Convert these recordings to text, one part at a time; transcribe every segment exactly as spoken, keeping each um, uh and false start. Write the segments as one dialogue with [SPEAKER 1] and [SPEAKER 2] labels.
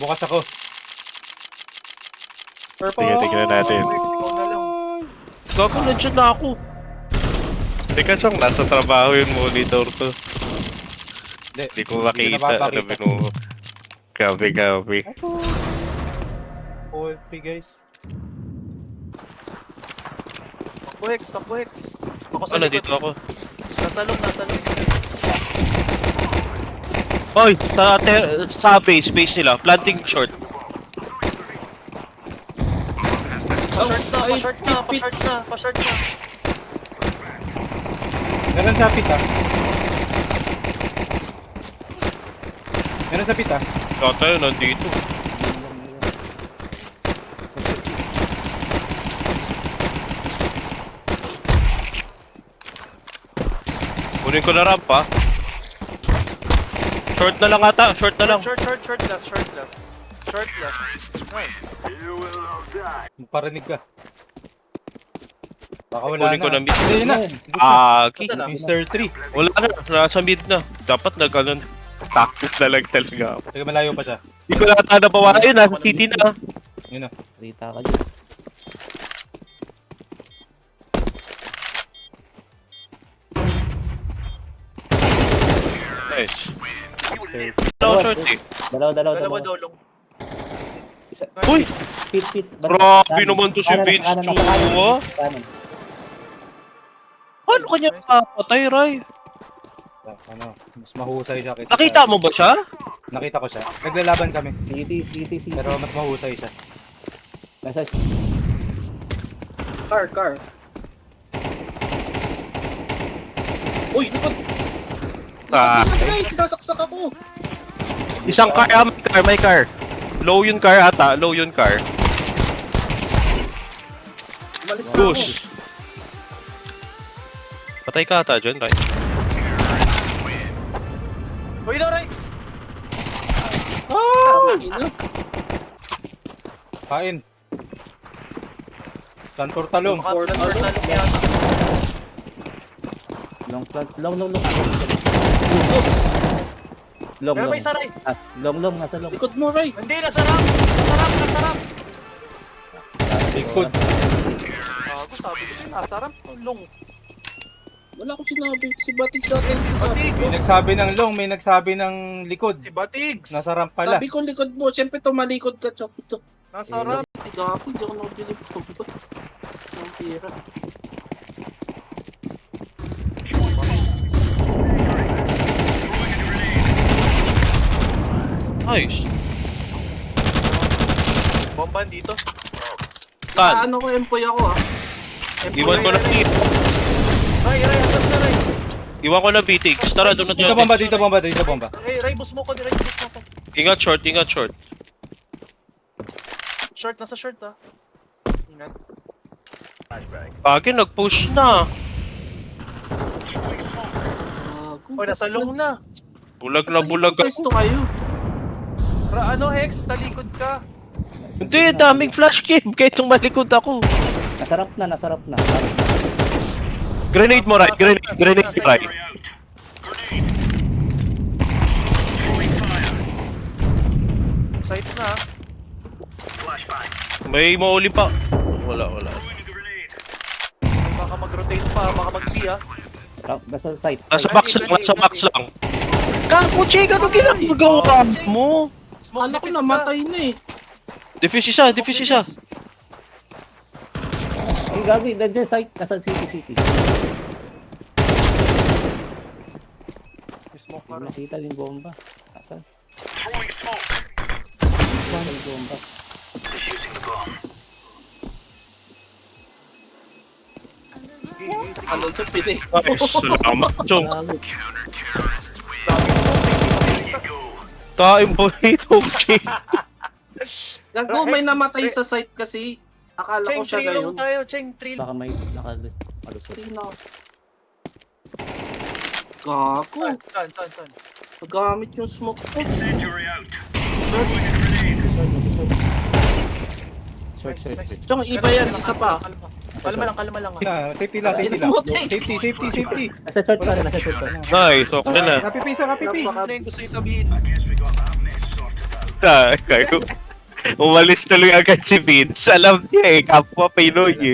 [SPEAKER 1] Bukas ako. Purple!
[SPEAKER 2] Sige, tignan natin.
[SPEAKER 3] Gago, nandiyan na ako.
[SPEAKER 2] Teka siyang nasa trabaho yung monitor to.
[SPEAKER 1] Hindi,
[SPEAKER 2] Hindi ko makita. Ano
[SPEAKER 1] napapakita.
[SPEAKER 2] mo? Copy, copy.
[SPEAKER 1] O F P guys.
[SPEAKER 4] Takbo X, takbo X. Ako sa
[SPEAKER 3] Ano,
[SPEAKER 4] likod.
[SPEAKER 3] dito ako.
[SPEAKER 4] Nasa loob, nasa loob.
[SPEAKER 3] Oy, sa, te- sa base, base nila. Planting short.
[SPEAKER 4] Pa-short na, pa-short na, pa-short na, pa-short na.
[SPEAKER 1] Meron sa pita. Meron sa pita.
[SPEAKER 3] Kata yun, nandito. Kunin ko na ramp ha. Short na lang ata, short na lang.
[SPEAKER 4] Short, short, short last, short last. Short last. Nice.
[SPEAKER 1] Magparinig ka. Baka wala
[SPEAKER 3] Kunin
[SPEAKER 1] na.
[SPEAKER 3] ko na mid.
[SPEAKER 1] Hindi na.
[SPEAKER 3] Aki.
[SPEAKER 4] Saan na?
[SPEAKER 1] mister three.
[SPEAKER 3] Wala na, nasa mid na. Dapat nag ano, tactics na lang talaga ako.
[SPEAKER 1] Teka, malayo pa siya.
[SPEAKER 3] Hindi ko nata nabawa yun, nasa city na.
[SPEAKER 1] Yun na.
[SPEAKER 5] Rita ka dyan.
[SPEAKER 3] Nice. Dalawa short eh.
[SPEAKER 5] Dalawa, dalawa,
[SPEAKER 4] Dalawa
[SPEAKER 5] dalawa.
[SPEAKER 4] daw long.
[SPEAKER 5] Isa.
[SPEAKER 3] Uy!
[SPEAKER 5] Pit, pit.
[SPEAKER 3] Grabe naman to si Vince Chu, ah.
[SPEAKER 5] Kanan.
[SPEAKER 3] Paano kanya papatay, Ray?
[SPEAKER 1] Ano, mas mahusay siya kaysa
[SPEAKER 3] Nakita mo ba siya?
[SPEAKER 1] Nakita ko siya. Naglalaban kami.
[SPEAKER 5] City, city, city.
[SPEAKER 1] Pero mas mahusay siya.
[SPEAKER 5] Nasa
[SPEAKER 6] Car, car. Uy, likod!
[SPEAKER 3] Ah,
[SPEAKER 6] Guys, sinasaksak ako!
[SPEAKER 3] isang car, ah, may car, may car. Low yun car ata, low yun car.
[SPEAKER 6] Umalis na ako.
[SPEAKER 3] Push. Patay ka ata dyan, Ray.
[SPEAKER 4] Uy, Doray!
[SPEAKER 6] Ina.
[SPEAKER 1] Kain. Santor talong.
[SPEAKER 4] Makapulan or talong yata.
[SPEAKER 5] long plant. Long, long, long. Long,
[SPEAKER 4] Pero
[SPEAKER 5] long.
[SPEAKER 4] may saray.
[SPEAKER 5] Ah, long, long. Nasa long.
[SPEAKER 6] Likod mo, Ray!
[SPEAKER 4] Hindi, nasa ramp! Nasa ramp, nasa ramp!
[SPEAKER 1] Likod.
[SPEAKER 4] Gago, sabi ko sa'yo, nasa ramp. Long.
[SPEAKER 6] Wala akong sinabi. Si Batis sa akin.
[SPEAKER 4] Si
[SPEAKER 1] May
[SPEAKER 4] Batigs!
[SPEAKER 1] nagsabi ng long, may nagsabi ng likod.
[SPEAKER 4] Si Batigs!
[SPEAKER 1] Nasa ramp pala.
[SPEAKER 6] Sabi ko likod mo. Siyempre tumalikod ka, Chok. Ito.
[SPEAKER 4] Nasa ramp.
[SPEAKER 6] Ay, gapi. Di ako nabilib ko. Ang tira.
[SPEAKER 3] Nice.
[SPEAKER 4] Bomban dito.
[SPEAKER 3] Tan,
[SPEAKER 6] Ano ko, empoy ako ah. Empoy
[SPEAKER 3] iwan ko na
[SPEAKER 4] Ray, Ray, Ray, atas na Ray.
[SPEAKER 3] Iwan ko na B-Tix. Tara, doon na
[SPEAKER 1] Dito
[SPEAKER 3] dyan.
[SPEAKER 1] bomba, dito bomba, dito bomba.
[SPEAKER 4] Ray, Ray, bus mo ko, Ray, bus mo ko.
[SPEAKER 3] Ingat short, ingat short.
[SPEAKER 4] Short, nasa short ah. Ingat.
[SPEAKER 3] Bagay, nag-push na.
[SPEAKER 6] Gago.
[SPEAKER 4] Uy, nasa long na.
[SPEAKER 3] Bulag na bulag ako.
[SPEAKER 6] Pwesto kayo.
[SPEAKER 4] Ra, ano, Hex, talikod ka.
[SPEAKER 3] Hindi, daming flash game. Kahit nung malikod ako.
[SPEAKER 5] Nasarap na, nasarap na.
[SPEAKER 3] Grenade mo, right? Grenade, grenade, right?
[SPEAKER 4] Site na ah.
[SPEAKER 3] May mauli pa. Wala, wala.
[SPEAKER 4] Baka mag-rotate pa, baka mag-B ah.
[SPEAKER 5] Ra- Nasa site.
[SPEAKER 3] Nasa box lang, nasa box lang. Kako, Chick, ano ginagawa mo?
[SPEAKER 4] Smoke
[SPEAKER 6] Kala ko
[SPEAKER 4] defuse
[SPEAKER 6] namatay na eh.
[SPEAKER 3] Defuse isa, defuse isa.
[SPEAKER 5] Ay, gabi. Nandiyan site. Nasa city, city.
[SPEAKER 4] ah. Smoke
[SPEAKER 5] Hindi
[SPEAKER 4] na rin.
[SPEAKER 5] nakita yung bomba. Asan? Saan yung bomba?
[SPEAKER 6] Ano ito, pili.
[SPEAKER 3] Nice, salamat, Chong.
[SPEAKER 5] Gago.
[SPEAKER 3] Taim po ito, Chick.
[SPEAKER 6] Gago, may namatay sa site kasi. Akala ko
[SPEAKER 4] Cheng,
[SPEAKER 6] siya
[SPEAKER 4] three long
[SPEAKER 6] gayon.
[SPEAKER 4] tayo, Cheng, three long.
[SPEAKER 5] Baka may nakalis. Alusot.
[SPEAKER 6] Tina. Gago.
[SPEAKER 4] Saan, saan, saan?
[SPEAKER 6] Nagamit yung smoke ko.
[SPEAKER 5] Short, short,
[SPEAKER 4] Nice,
[SPEAKER 5] short.
[SPEAKER 6] Tsaka iba yan, isa pa.
[SPEAKER 4] Kalma, kalma lang, kalma lang ah.
[SPEAKER 1] Ah, safety lang, safety lang. Safety, safety, safety.
[SPEAKER 5] Nasa short pa rin, nasa short pa rin.
[SPEAKER 3] Nice, okay na.
[SPEAKER 1] Napipisa, napipisa.
[SPEAKER 4] Ano yung gusto yung sabihin?
[SPEAKER 2] Na, kayo. Umalis tuloy agad si Vince. Alam niya eh, kapwa Pinoy eh.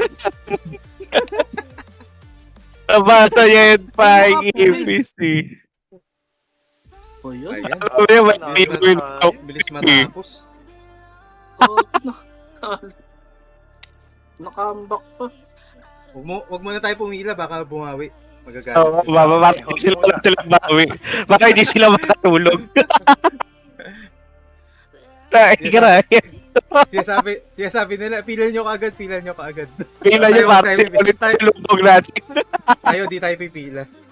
[SPEAKER 2] Nabasa niya yun pa yung A P C.
[SPEAKER 6] O yun.
[SPEAKER 1] Ayan.
[SPEAKER 2] Alam niya, may Pinoy na
[SPEAKER 1] Bilis matapos.
[SPEAKER 6] So, nakambak pa.
[SPEAKER 1] Huwag mo, huwag muna tayo pumila, baka bumawi. Magagalit.
[SPEAKER 2] Oo, mamamatay sila lang sila bawi. Baka hindi sila makatulog. Ay, garay.
[SPEAKER 1] Sinasabi, sinasabi nila, pila nyo kaagad, pila nyo kaagad.
[SPEAKER 2] Pila niyo
[SPEAKER 1] Tayo,
[SPEAKER 2] para
[SPEAKER 1] tayo,
[SPEAKER 2] sila ulit
[SPEAKER 1] tayo.
[SPEAKER 2] sa lubog natin.
[SPEAKER 1] Tayo, di tayo pipila.